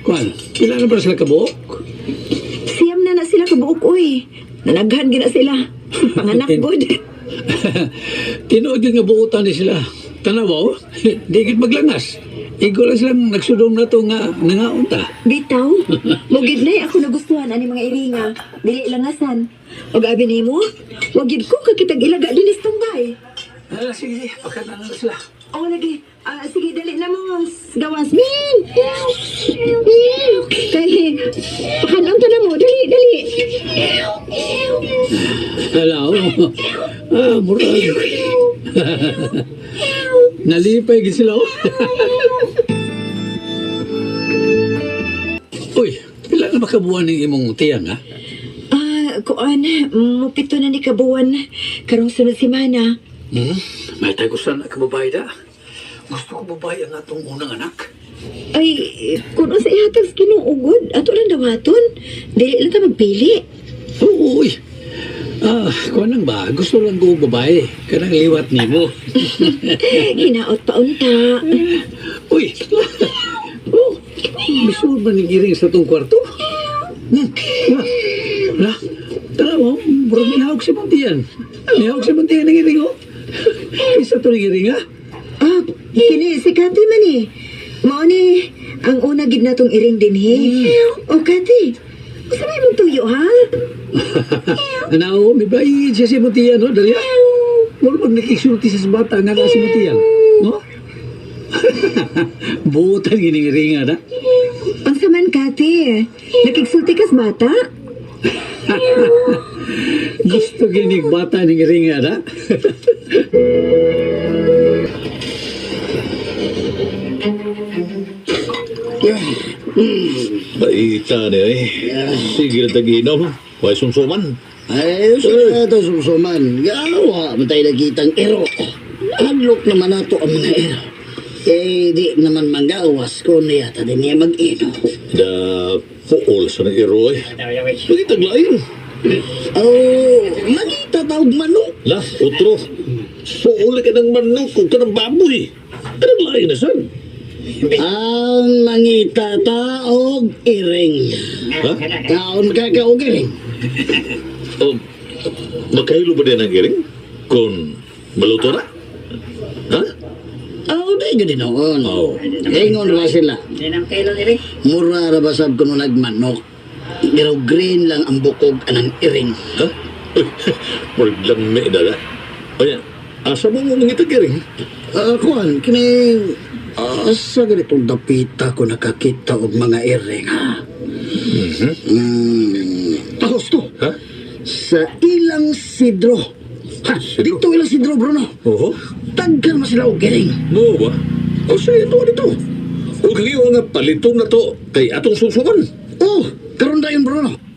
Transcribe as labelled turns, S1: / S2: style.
S1: Kwan, pila na ba sila kabuok?
S2: Siyam na sila kabuok, uy. Nanaghan gina sila. Panganak good.
S1: Tinuod yung nga buutan ni sila. Tanawaw, digit maglangas. Igo lang silang nagsudong na to nga nangaunta.
S2: Bitaw, mugid na ako nagustuhan ani mga iringa. Dili langasan. O gabi nimo, wagid ko kakitag ilaga dinis tunggay.
S1: Sige, pagkatan na sila.
S2: O lagi, sige dali na mo. Gawas. Min! Kay, pakanon ka na mo. Dali.
S1: Hello. Murag. Nalipay gid sila. Uy, pila na makabuan ng imong tiyang, ha?
S2: Kuan, mupito na ni kabuan. Karong sunod semana.
S1: May tayo gusto na kababae da. Gusto ko babae ang atong unang anak.
S2: Ay, kung sa ihatag kinuugod, ato lang dawaton. Dili lang ta magpili.
S1: Oo, uy. Kuha lang ba? Gusto lang ko babae. Kanang liwat ni mo.
S2: Hinaot pa unta.
S1: Uy! Bisur ba nigiring sa itong kwarto? Tara mo, bro, nihawag si Montian. Nihawag si Montian ng iring, oh. Isa ito ng iring, ha?
S2: Kini, si Kati man eh. Mao ni, ang una gid na tong iring din, he. O, Kati, sabay mong tuyo, ha?
S1: Ano, may bayi siya si Montian, no? Dali, ha? Mula pag nakisulti sa bata nga na si Montian, no? Butan giniring, ha?
S2: Ang saman, Kati, nakigsulti kas bata?
S1: Gusto ginig bata ng iring, ha?
S3: Baita niya eh. Sige na tag-inom. Huwag sumsuman.
S4: Ay, sa ito sumsuman. Gawa, matay nakitang ero. Adlok naman nato ang mga ero. Eh, di naman manggawas ko niya ta din niya mag-ino.
S3: Da puol sa ng iro eh. Lagi taglain.
S4: Oh, nakita tawag manok.
S3: Lah, utro. Puol ka ng manok kung ka ng baboy. Taglain na san.
S4: Ang mangita taog iring.
S3: Ha?
S4: Taon ka kaog iring.
S3: Oh, makahilo ba din ang giring? Kung maluto na? Ha?
S4: Oh, di gani noon.
S3: Oh.
S4: Ingon ra sila. Mura ra basab kuno nagmanok. Pero green lang ang bukog anang iring.
S3: Ha? Maglamig na na. O yan, asa mo mo mangita giring?
S4: Kuan, kini asa ganitong dapita ko nakakita og mga iring, ha? Tahos to.
S3: Ha?
S4: Sa ilang sidro. Ha? Dito ilang sidro, Bruno.
S3: Oo.
S4: Tagkan mo sila og iring.
S3: Mo ba? O sige, ito dito. O kayo nga paliton na to kay atong susuman.
S4: Oh, karon dayon, Bruno.